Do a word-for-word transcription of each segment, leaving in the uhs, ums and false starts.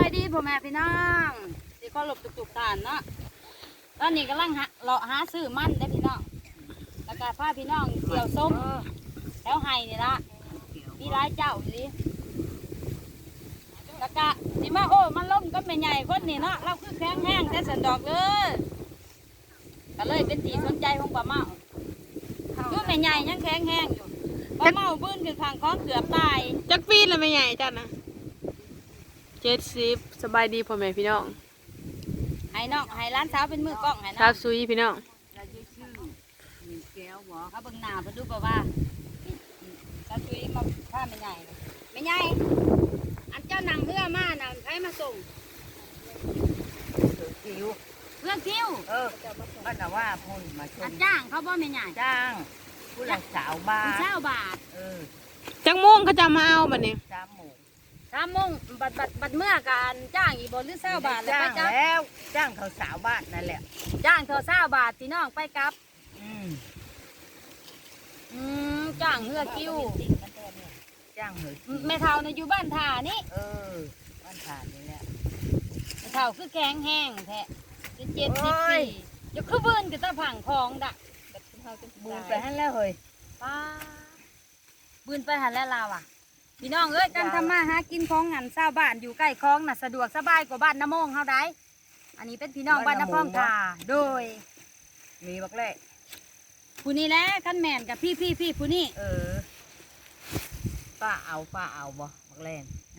ายดีพ่อแม่พี่น้องที่ก็หลบตุกๆตานเนาะตอนนี้กำลังหาเลาะหาซื้อมันได้พี่น้องแล้วก็พาพี่น้องเกี่ยวส้มแล้วไห้นี่ละมีร้ายเจ้าสิแล้วก็สิมาโอ้มันล้มก็ไม่ใหญ่คนนี่เนาะเราคือแข็งแห้งแต่สันดอกเลยก็เลยเป็นที่สนใจของป้าเมาคือไม่ใหญ่ยังแข็งแห้งอยู่ป้าเมาบื้นขึ้นทางคล้องเกือบตายจักปีนแล้วไม่ใหญ่จัดนะเจ็ดสิบสบายดีพ่อแม่พี่น้องให้น้องให้ร้านสาวเป็นมือกล้องให้น้องชาวซุยพี่น้องเราชื่อชื่อมีแก้วบ่เขาเบิ่งหน้าเพิ่นดูบ่ว่าถ้าช่วยมาผ้าไม่ใหญ่ไม่ใหญ่อันเจ้านั่งเรือมาน่ะใครมาส่งคิวเรือคิวเออก็แต่ว่าพูนมาชมจ้างเขาบ่ไม่ใหญ่จ้างผู้ละสาวบาทเช้าบาทเออจังโมงเขาจะมาเอาบัดนี้สามโมงสามโมงบัดบัดบัดเมื่อการจ้างอีบ่หรือเช้าบาทแล้วจ้าไปงจับแล้วจ้างเขาสาวบ้านนั่นแหละจ้างเท่าเช้าบาทพี่น้องไปกลับอืมอืมจ้างเรือคิวจ้างเหยแม่เฒ่าเนี่ยอยู่บ้านท่านี่เออบ้านผ่านนี่แหละแม่เฒ่าคือแข็งแห้งแท้เป็นเจ็ดสิบปียกคือเบิ่นก็ตะผังของดะบูไปให้แล้วเฮ้ยป้าบืนไปหันแล้วลาวอ่ะพี่น้องเอ้ยการทำมาหากินของงานชาวบ้านอยู่ใกล้คลองน่ะสะดวกสบายกว่าบ้านน้ำมงเฮาได้อันนี้เป็นพี่น้องบ้านน้ำพองทาโดยมีบักเล่ผู้นี้แหละขั้นแมนกับพี่พี่พี่ผู้นี้เออป้าเอาป้าเอาบ่บักเล่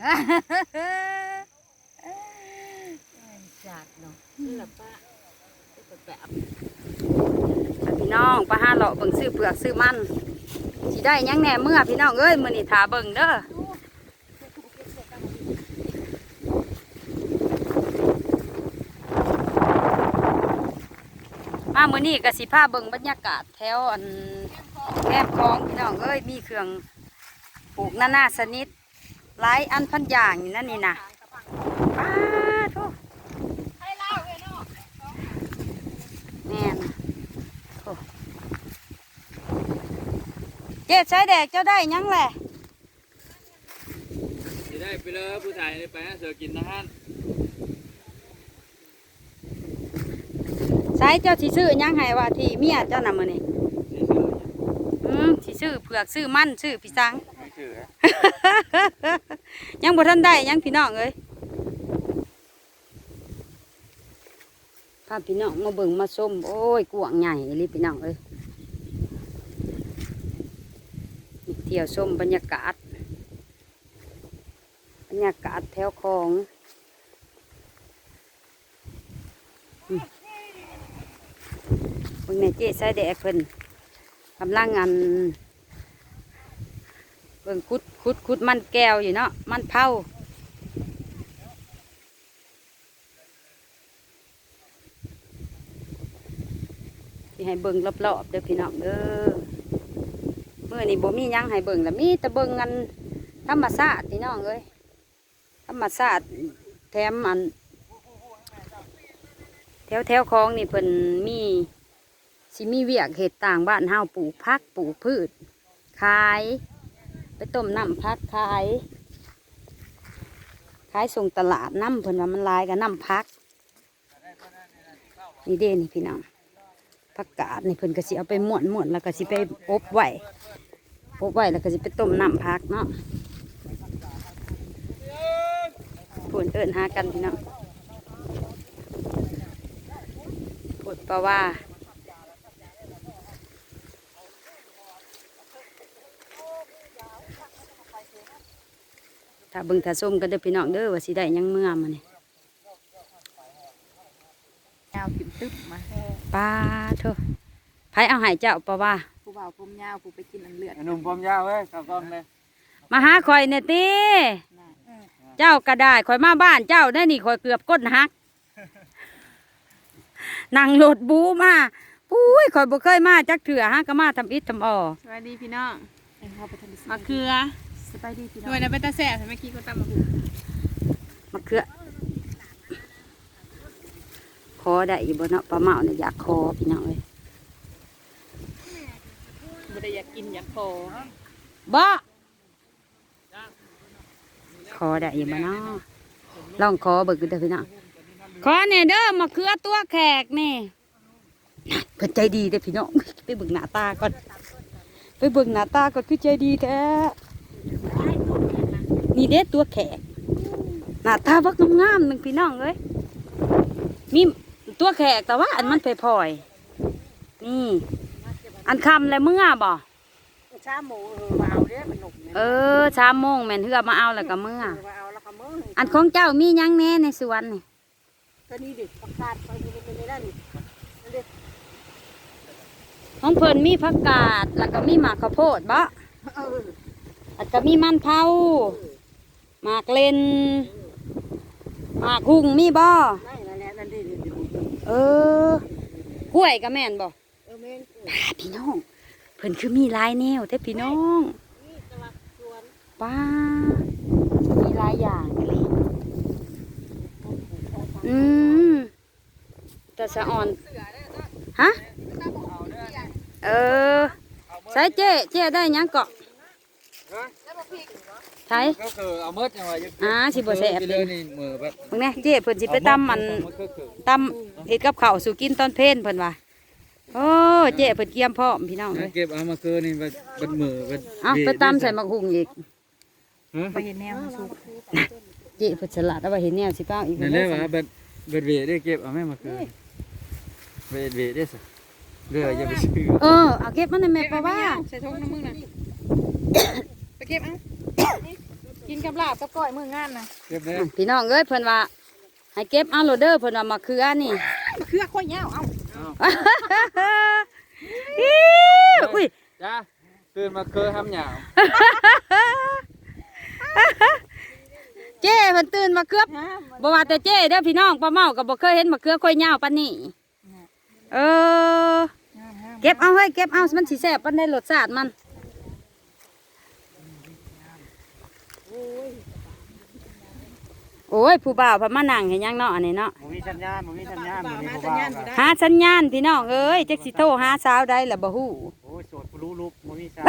จัดเนาะนี่แหละป้าแบบพี่น้องป้าห้าเลาะเบิ่งซื้อเปลือกซื้อมันสิได้ยังแหน่เมื่อพี่น้องเอ้ยมื้อนี้ถาเบิ่งเด้อมามื้อนี้ก็สิพาเบิ่งบรรยากาศแถวอันแคบคลองพี่น้องเอ้ยมีเครื่องปลูกนานาชนิดหลายอันพันอย่างอยู่นั่นนี่นะป้าทุกแม่นเจ๊ใช้แดกเจ้าได้ยังแหละได้ไปเลยผู้ชายไปนะเสือกินนะฮะใช้เจ้าที่ซื้อยังไงว่าที่เมียเจ้านำมาเนี่ยอืมที่ซื้อเผือกซื้อมันซื้อพี่สังยังบ่ทันได้ยังพี่น้องเอ้ยพาพี่น้องมาเบิ่งมาส้มโอ้ยกวางใหญ่เลยพี่น้องเอ้ยเที่ยวส้มบรรยากาศบรรยากาศแถวคลองเบิ่งในเจ๊ใส่แดกเพิ่นกำลังงานเบิ่งคุดคุดคุดมันแก้วอยู่เนาะมันเผาที่ให้เบิ่งรอบๆเด้อพี่น้องเด้อเมื่อนี่บ่มียังให้เบิ่งแล้วมีแต่เบิ่งกันธรรมชาติพี่น้องเอ้ยธรรมชาติแถมอันแถวแถวคลองนี่เพิ่นมีสิมีเวียกเห็ดต่างบ้านเฮาปลูกพักปลูกพืชขายไปต้มน้ำพักขายขายส่งตลาดน้ำเพิ่นว่ามันลายกับน้ำพักนี่เด้นี่พี่น้องผักกาดนี่เพิ่นก็สิเอาไปม้วนม้วนแล้วก็สิไปอบไว้อบไว้แล้วก็สิไปต้มน้ำพักเนาะพูนเอิญหากันพี่น้องพูดเพราะว่าถ้าเบิ่งถ้าส้มก็เด้อพี่น้องเด้อว่าสิได้ยังเมื่อมาเนี่ยยาวกินตึ๊บมาป้าเถอะไผเอาหายเจ้าปะว่าผู้บ่าวผมยาวผู้ไปกินอันเลือดหนุ่มผมยาวเว้ยขับกล้องเลยมาหาคอยเนี่ยตีเจ้าก็ได้คอยมาบ้านเจ้าได้นี่คอยเกือบก้นหักนั่งรถบูมาปุ้ยคอยบ่เคยมาจักเถื่อฮะก็มาทำอิฐทำอ่อสวัสดีพี่น้องมะเขือสบายดีพี่น้องหน่วยนั้นเป็นตาแสบใช่ไหมกี้ก็ตำมะเขือมะเขือคอได้อยู่บนเนาะปลาเมาเนี่ยอยากคอพี่น้องเลยบ่ได้อยากกินอยากคอบ่คอได้อยู่บนเนาะลองขอเบิกเด้อพี่น้องขอเนี่ยเด้อมะเขือตัวแขกนี่เพิ่นใจดีเด้อพี่น้องไปเบิ่งหน้าตาก่อนไปเบิ่งหน้าตาก่อนคือใจดีแท้นี่เด้ตัวแขกหน้าตาบักงามๆหนึ่งพี่น้องเอ้ยมีตัวแขกแต่ว่าอันมันพลอยๆนี่อันคำและเมื่อบ่ชาหมูเออมาเอาเด้อมันหนุกเนี่ยเออชามโมงแม่นเฮือมาเอาแล้วก็เมื่อมาเอาแล้วก็มื้ออันของเจ้ามีหยังแน่ในสวนนี่ตัวนี้ดิประกาศไปนี่เป็นได้นี่นั่นดิของเพิ่นมีผักกาดแล้วก็มีหมากข้าวโพดบ่เออแล้วก็มีมันเผาหมากเลนหมากหุ่งมีบ่นั่นนั่นแหละนั่นดิดิดิเออกล้วยก็แม่นบ่เออแม่นตาพี่น้องเพิ่นคือมีหลายแนวแต่พี่น้องนี่ตลาดสวนป้ามีหลายอย่างเลยอืมแต่สะอ่อนฮะเออใส่เจ๊เจ๊ได้หยังเกาะใช่ก็คือเอาเมื่อจังหวะอ่าสิบ่แซ่บไปเลยนี่มือแบบมึงเนี่ยเจ๊เพิ่นสิไปตำมันตำเฮ็ดกับข้าวสู่กินตอนเพลนเพิ่นว่าโอ้เจ๊เพิ่นเกียมพร้อมพี่น้องเลยเก็บเอามาคือนี่เป็นเป็นมือเป็นเอาไปตำใส่หมักหุ่งอีกไปเห็นแนวสุกเจ๊เพิ่นสลัดเอาไว้เห็นแนวสิเป้าอีกนั่นแหละว่าเป็นเป็นเวได้เก็บเอาแม่มาคือเวเวได้สิเรืออย่าไปซื้อเออเอาเก็บมันในแม่ปะว่าใส่ทงน้ำมึงนะไปเก็บอ่ะกินกับลาบกับก้อยมืองานนะเก็บได้พี่น้องเอ้ยเพิ่นว่าให้เก็บเอาโหลดเด้อเพิ่นว่ามาคืออันนี่เครือข้อยยาวเอาอิ๊วอุ้ยจ้าตื่นมาคือทำหยาวเจ้เพิ่นตื่นมาเกือบบ่ว่าแต่เจ้เด้อพี่น้องป้าเมาก็บ่เคยเห็นมะเขือค่อยยาวปานนี้เออเก็บเอาเฮ้ยเก็บเอามันสิแซ่บปานใดรสชาติมันโอ้ยผู้บ่าวพามานั่งเห็นยังเนาะอันนี้เนาะมึงมีสัญญาณมึงมีสัญญาณมึงมีมาผู้สัญบ่าญาว ณอยู่ได้หาสัญญาณพี่น้องเอ้ยจักสิโทรหาสาวใดล่ะบ่ฮู้โอ้ยโสดผู้รู้รูปมึงมีสัญ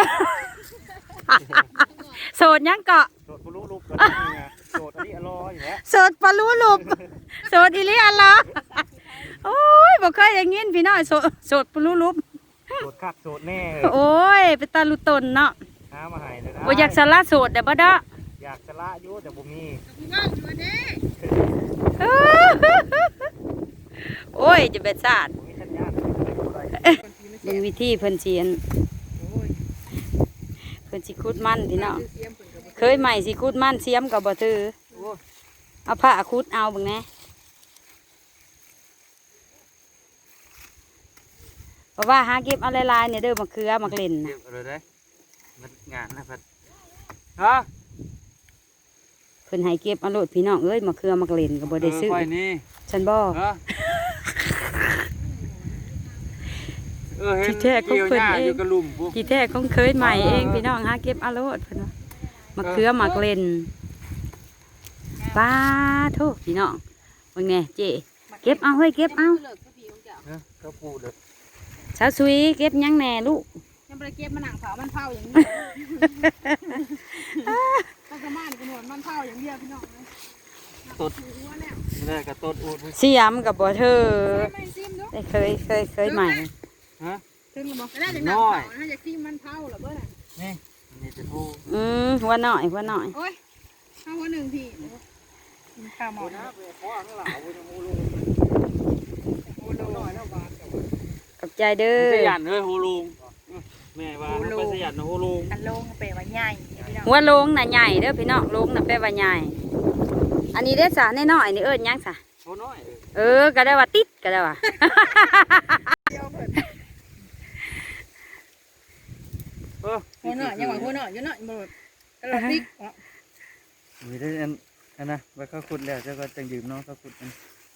โสดยังเกาะโสดผู้รู้รูปก็ได้ไงโสดอันนี้อร่อยอยู่แล้วโสดปลารู้ลุบโสดอีหลีอันละโอ้ยบ่เคยอย่างงี้พี่น้องโสดโสดปลารู้ลุบโสดคักโสดแน่โอ้ยเป็นตาลุตนเนาะหามาให้เลยนะบ่อยากสละโสดเด้อบ่เด้ออยากสละอยู่แต่บ่มีโอ้ยจะเป็นศาสตร์มึงมีสัญญาณเบิ่งวิธีเพิ่นเสียนเพิ่นสิขุดมันพี่น้องเคยใหม่สิขุดมันเสียมก็บ่ถือเอาผ้าขุดเอาเบิ่งแหน่เพราะว่าหาเก็บเอาหลายๆเนี่ยเด้อมะเขือมะเล่นเก็น่ะบเลยได้มันงานนะพัดฮะเพิ่นให้เก็บเอาโลดพี่น้องเอ้ยมะเขือมะเล่นก็บ่ได้ซื้อไฟนี่ฉันบ่ฮะเออเห็นที่แท้ของเพิ่นกี่ยวหญ้าเองอยู่กับหลุมปุ๊บที่แท้ของเคยใหม่เองพี่น้องหาเก็บเอาโลดเพิ่นว่ามะเขือมะเล่นป้าโทษพี่น้องเบิ่งแหน่เจ๊เก็บเอาเฮ้ยเก็บเอาเนอะก็ปูเลยสาวสุยเก็บหยังแหน่ลูกยังไปเก็บมันหนังเผามันเผาอย่างนี้ต้องสมานกันหนวดมันเผาอย่างเดียวพี่น้องตดนี่กับตดอูดเสียมกับบ่เธอไม่ซิมเนาะได้เคยเคยเคยใหม่ฮะถึงหรือบ่ได้จากหนังเผาถ้าจากซิมมันเผาหรือเปล่านี่นี่จะพูอืมหัวหน่อยหัวหน่อยโอ้ยข้าวหัวหนึ่งพี่ข้าวหมอนะขอบใจเด้อสยันเลยโฮลุงแม่ว่าไปสยันนะโฮลุงอันลงเปรย์ว่าใหญ่พี่น้องหัวโลงน่ะใหญ่เด้อพี่น้องโลงน่ะแปลว่าใหญ่อันนี้เด้อสาน้อยๆนี่เอิ้นหยังซะโฮน้อยเออก็ได้ว่าติดก็ได้ว่าเออหัวหน่อยยังหวังหัวหน่อยยังหน่อยบ่กระโดดติ๊กมีได้อันอันนะไว้เขาขุดแล้วเจ้าก็จังยืมน้องเขาขุดกัน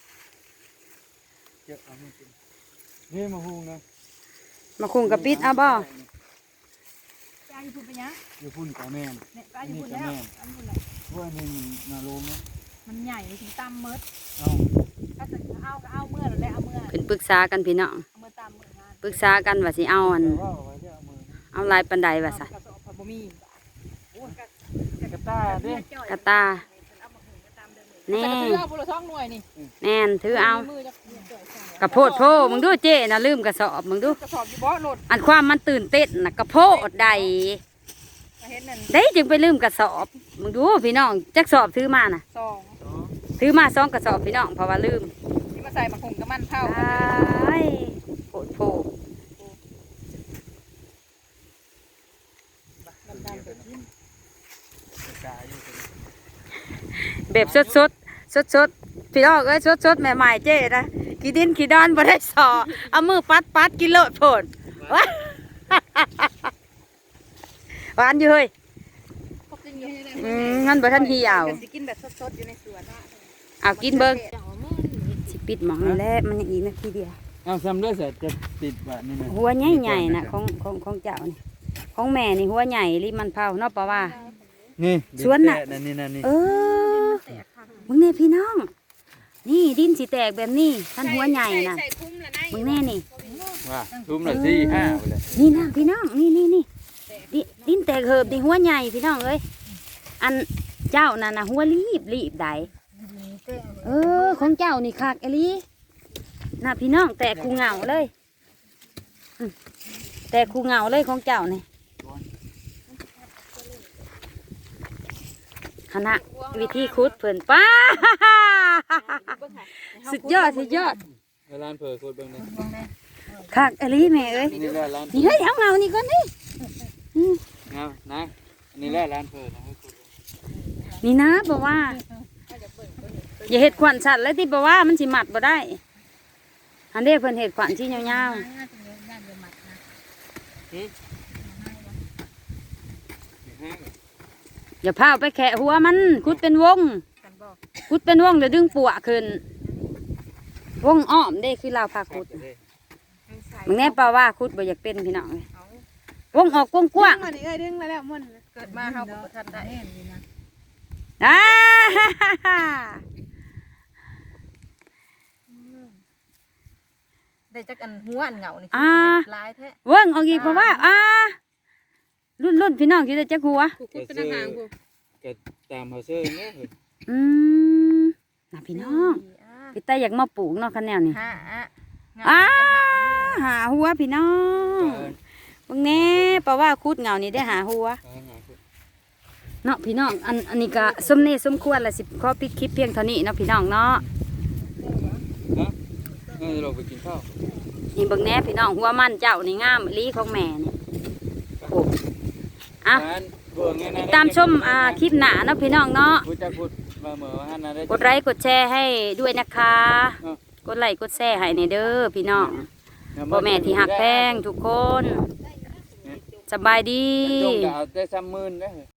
เจ้าเอาไม่กินนี่มาหุงนะมาคุงกับปิดเอาบ่ยายพูดไปยังอยู่พุ่นกับแม่นเนี่ยยายพูดแล้วอันพูดแล้วว่านี่มันนาลงนะมันใหญ่ถึงตามเมิดเอาถ้าจะเอาก็เอาเมื่อแล้วเอาเมื่อเพิ่นปรึกษากันพี่น้องเอาเมื่อตามเมื่องานปรึกษากันว่าสิเอาอันแต่ว่าเอาไว้จะเอามือเอาลายปันไดว่าซะกระสอบผัดบะหมี่โอ้ยกระต้าดิกระตาเอามาหุงก็ตามเดิมเลยนี่แต่ก็ถือเอาบุหรี่ท้องหน่วยนี่แน่นถือเอามือจะกระโพดโพมึงดูเจ๊น่ะลืมกระสอบมึงดูกระสอบอยู่บ่โหลดอันความมันตื่นเต้นน่ะกระโพดใดมาเห็นนั่นได้จึงไปลืมกระสอบมึงดูพี่น้องจักสอบถือมาน่ะซองถือมาสองกระสอบพี่น้องเพราะว่าลืมที่มาใส่มะขุงกับมันเผาไอ้โพดโพแบบสดสดสดสดๆพี่น้องเอ้ยสดสดๆใหม่ๆเจ๊นะกี่ดินกี่ดอนบ่ได้สอเอามือปัดปัดกินโลดโผดว้าหวานอยู่เฮ้ย อืมงั้นบ่ทันเหี่ยวสิกินแบบสดๆอยู่ในสวนเอากินเบิ้งสิปิดหมองนี่แหละมันยังอีกนาทีเดียวเอาซ้ำด้วยเสร็จจะติดแบบนี้นะหัวใหญ่ๆน่ะของของของเจ้านี่ของแม่นี่หัวใหญ่ริมันเผาเนาะปะว่านี่สวนน่ะนั่นนี่นั่นนี่เออมึงแน่พี่น้อง นี่ดินสิแตกแบบนี้ท่านหัวใหญ่น่ะใส่คุ้มละนายมึงแน่นี่ว่าทุ่มละสี่ห้าไปเลยนี่นะพี่น้องนี่นี่นี่ดิดินแตกเหิบดิหัวใหญ่พี่น้องเอ้ยอันเจ้าน่ะนะหัวรีบรีบใดเออของเจ้านี่คักอหลีน่ะพี่น้องแตกคูเหงาเลยอืมแตกคูเหงาเลยของเจ้านี่คณะวิธีคุดเพิ่นป้า สุดยอดสุดยอดร้านเผอโคตรเบิ่งนี่คักอหลีแม่เอ้ยนี่แหละร้านนี่เฮ้ยเอาเงานี่ก่อนนี่อืมงามนะนี่แหละร้านเผอนะนี่นะบอกว่า อย่าเห็ดขวัญสัตว์เลยที่บอกว่ามันสิหมัดบ่ได้อันนี้เพิ่นเห็ดขวัญที่ยาวๆอย่าพาไปแขะหัวมันคุดเป็นวงคุดเป็นวงเดี๋ยวดึงปัวขึ้นวงอ้อมได้คือเราพาคุดมึงแน่เปล่าว่าคุดบ่อยากเป็นพี่น้องเลยวงออกกว้างอันนี้เอ้ยดึงมาแล้วมันเกิดมาเฮาบ่ทันได้ๆอ่าได้จักอันหัวอันเหงานี่อ่าลายแท้วงออกอีกเพราะว่าอ่ารุ่นรุ่นพี่น้องที่ได้จักหัวกูคุดเป็นทหารกูก็ตามเขาเสื้อเนี่ยอืมน่ะพี่น้องพี่ตาอยากมาปลูกเนาะคันแนวนี่ฮะอ้าหาหัวพี่น้องเบิ่งแน่เพราะว่าคุดเหงานี่ได้หาหัวเนาะพี่น้องอันอันนี้ก็สมเนสมควรละสิขอปิดคลิปเพียงเท่านี้เนาะพี่น้องเนาะนะนี่เราไปกินข้าวนี่เบิ่งแน่พี่น้องหัวมันเจ้านี่งามอีหลีของแม่นี่โอ้อ่ะติดตามชมอ่าคลิปหน้าเนาะพี่น้องเนาะพูดจะพูดมาเหมือนว่าฮันนะได้กดไลค์กดแชร์ให้ด้วยนะคะ กดไลค์กดแชร์ให้ในเด้อพี่น้องพ่อแม่ที่หักแพงทุกคน สบายดีจงจะเอาได้ซ้ำมื่นนะ